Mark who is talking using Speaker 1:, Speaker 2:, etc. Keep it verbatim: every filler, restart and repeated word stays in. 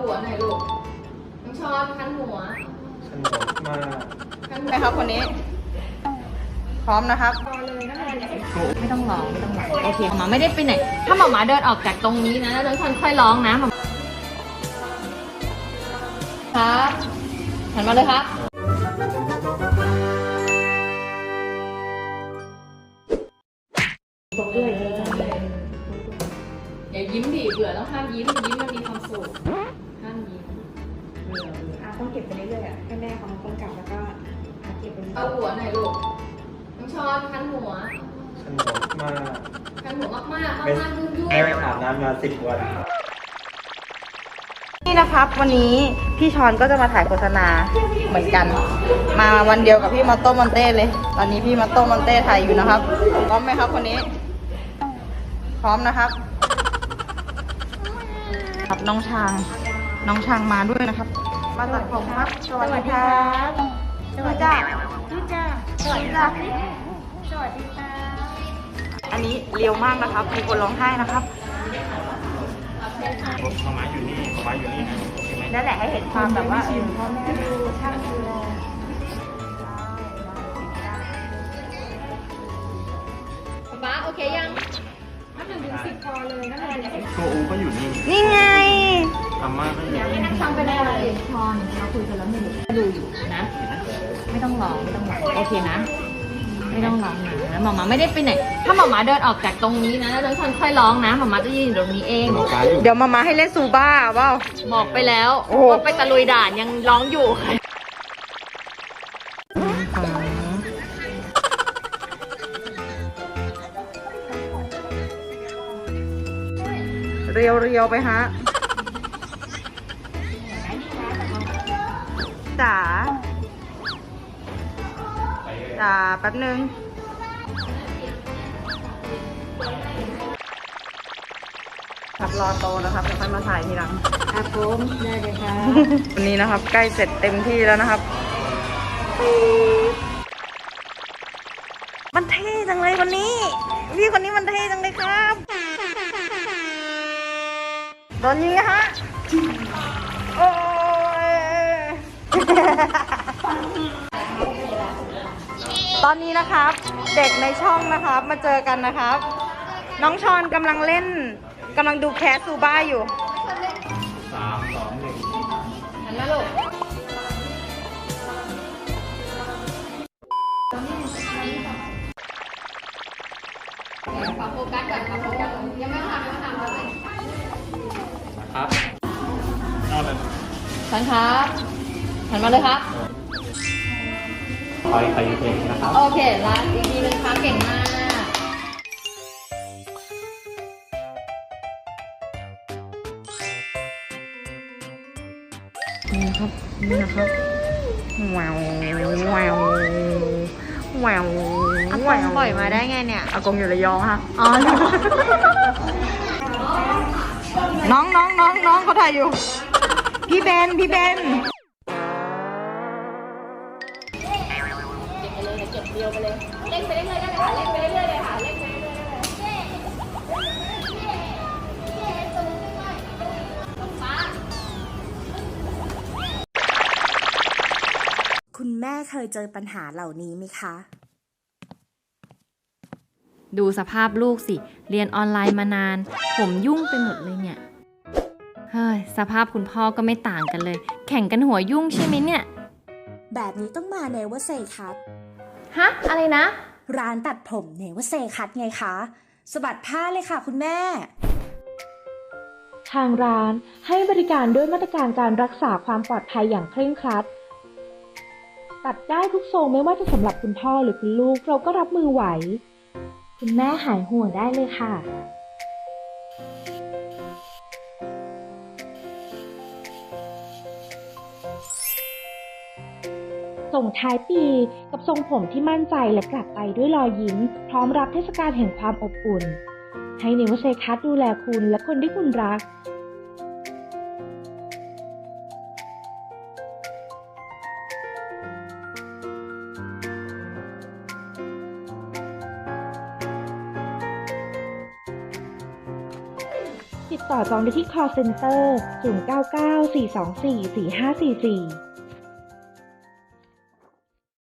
Speaker 1: หัวหน่อยลูกน้องช้อนคันหัว
Speaker 2: สนุกมาก
Speaker 1: ไหมครับคนนี้พร้อมนะครับไม่ต้องร้องไม่ต้องร้องโอเคหมาไม่ได้ไปไหนถ้าหมาหมาเดินออกจากตรงนี้นะแล้วน้องช้อนค่อยร้องนะหมาครับหันมาเลยครับตบด้วยอย่ายิ้มดิเบื่อต้องห้ามยิ้มยิ้มมันมีความสุขห้ามยิ้มเบื่อเบื่อ
Speaker 3: ต้องเก็บไปเรื่อยๆอ่ะให้แม่เขากำกับแล้วก็เก็บไป
Speaker 1: เอาหัวหน่อยลูกน้องช้อนคันหัว
Speaker 2: สนุกมาก
Speaker 1: คันหัวมากมากมากมากยุ่งยุ่ง
Speaker 2: ไม่อาบน้ำมาสิบวัน
Speaker 4: นี่นะครับวันนี้พี่ชอนก็จะมาถ่ายโฆษณาเหมือนกันมาวันเดียวกับพี่มาโต้มอนเต้เลยตอนนี้พี่มาโต้มอนเต้ถ่ายอยู่นะครับพร้อมไหมครับคนนี้พร้อมนะครับครับน้องช้างน้องช้างมาด้วยนะครับมาตัดผมครับสวัสดีครับสวัสดีจ้าจ้าสวัสดีจ้าสวัสดีค่ะอันนี้เร็วมากนะครับมีคนร้องไห้นะครับ
Speaker 2: มาม้าอยู่นี่มาม้าอยู่นี่
Speaker 4: นั่นแหละให้เห็นความแบบว่าพ่อแม่ดูช่างดูแล
Speaker 1: ป๊าโอเคยัง
Speaker 3: นับหนึ่งถึงสิบพอเลยนับหนึ่งถึงสิบ
Speaker 2: ตัวอูก็อยู่นี่
Speaker 4: นี่ไง
Speaker 2: อาม่าก็อยู่นี่
Speaker 1: นั่งทำไปได้อะไรชอนเราคุยกันแล้วไม่รู้ดูอยู่นะไม่ต้องร้องไม่ต้องร้องโอเคนะไม่ต้องร้องนะหมาหมาไม่ได้ไปไหนถ้าหมาหมาเดินออกจากตรงนี้นะแล้วน้องช้อนค่อยร้องนะหมาหมาจะยืนอยู่ตรงนี้เอง
Speaker 4: เดี๋ยวมามาให้เล่นซูบ้าเปล่า
Speaker 1: บอกไปแล้วว่าไปตะลุยด่านยังร้องอยู่
Speaker 4: เรียวเรียวไปฮะจ๋าจ๋าแป๊บนึงครับรอโตนะครับเดี๋ยวค่อยมาถ่ายทีหลัง
Speaker 3: ครับผมได้เลยค่ะ
Speaker 4: วันนี้นะครับใกล้เสร็จเต็มที่แล้วนะครับมันเท่จังเลยวันนี้พี่คนนี้มันเท่จังเลยครับตอนนี้ฮะโอ้ยตอนนี้นะครับเด็กในช่องนะครับมาเจอกันนะครับน้องชอนกำลังเล่นกำลังดูแคสซูบ้าอยู่
Speaker 2: สามสองหนึ่ง
Speaker 1: หันมาลูกขอโฟกัสก่อนขอโฟกัสยังไม่ทำยังไม่ทำเลย
Speaker 2: ครับเอาเลย
Speaker 1: ฉันครับหันมาเลยครับ
Speaker 2: คอยไปเพลงนะครับ
Speaker 1: โอเคลาอีกทีนึงครับเก่งมาก
Speaker 4: นี่นะครับนี่นะครับว้าวว้าวว้าวอากงปล่อยมาได้ไงเนี่ยอากงอยู่ระยองค่ะอ๋อน้องน้องน้องน้องเขาถ่ายอยู่พี่เบนพี่เบน
Speaker 1: เก็บเดียวไปเลยเล่นไปเรื่อยๆได้เลยค่ะเล่นไปเรื่อยๆเลยค่ะเล่นไปเรื่อยๆ
Speaker 5: คุณแม่เคยเจอปัญหาเหล่านี้ไหมคะ
Speaker 6: ดูสภาพลูกสิเรียนออนไลน์มานานผมยุ่งไปหมดเลยเนี่ยเฮ้ยสภาพคุณพ่อก็ไม่ต่างกันเลยแข่งกันหัวยุ่งใช่ไหมเนี่ย
Speaker 5: แบบนี้ต้องมาเนเวอร์เซคัท
Speaker 6: ฮะอะไรนะ
Speaker 5: ร้านตัดผมเนเวอร์เซคัทไงคะสะบัดผ้าเลยค่ะคุณแม่
Speaker 7: ทางร้านให้บริการด้วยมาตรการการรักษาความปลอดภัยอย่างเคร่งครัดตัดได้ทุกทรงไม่ว่าจะสำหรับคุณพ่อหรือคุณลูกเราก็รับมือไหวคุณแม่หายห่วงได้เลยค่ะส่งท้ายปีกับทรงผมที่มั่นใจและกลับไปด้วยรอยยิ้มพร้อมรับเทศกาลแห่งความอบอุ่นให้เนเวอร์เซคัทดูแลคุณและคนที่คุณรักติติดต่อจองได้ที่ call center ศูนย์ เก้า เก้า สี่ สอง สี่ สี่ ห้า สี่ สี่